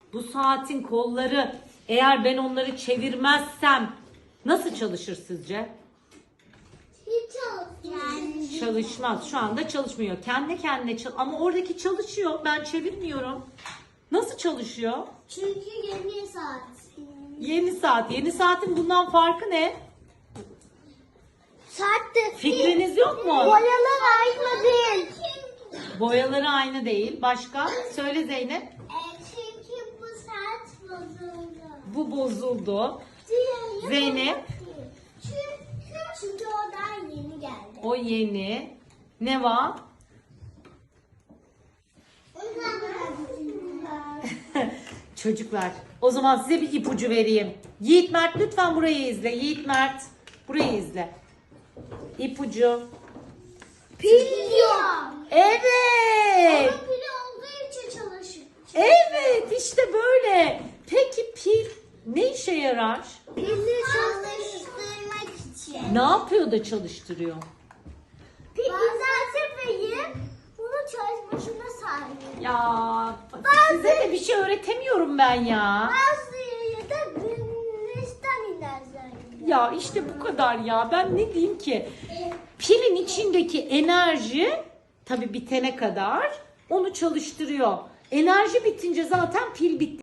Bu saatin kolları, eğer ben onları çevirmezsem nasıl çalışır sizce? Hiç çalışmıyor. Çalışmaz. Şu anda çalışmıyor. Kendi kendine ama oradaki çalışıyor. Ben çevirmiyorum. Nasıl çalışıyor? Çünkü yeni saat. Yeni saat. Yeni saatin bundan farkı ne? Saat de Fikriniz yok mu? boyalar aynı değil. Boyaları aynı değil. Başka? Söyle Zeynep. Çünkü bu saat bozuldu. Bu bozuldu. Diğeri Zeynep. Çünkü o daha yeni geldi. O yeni. Ne var? Çocuklar, o zaman size bir ipucu vereyim. Yiğit Mert lütfen burayı izle. Yiğit Mert burayı izle. İpucu. Pil yok. Evet. Ama pil olduğu için çalışıyor. Evet, işte böyle. Peki pil ne işe yarar? Pili çalıştırmak için. Ne yapıyor da çalıştırıyor? Pil düzeltmeyi bunu çalışmasına sahip. Ya size de bir şey öğretemiyorum ben ya. Bazı yeri de güneşten inerler. Ya işte bu kadar ya. Ben ne diyeyim ki? Pilin içindeki enerji tabii bitene kadar onu çalıştırıyor. Enerji bitince zaten pil bitti.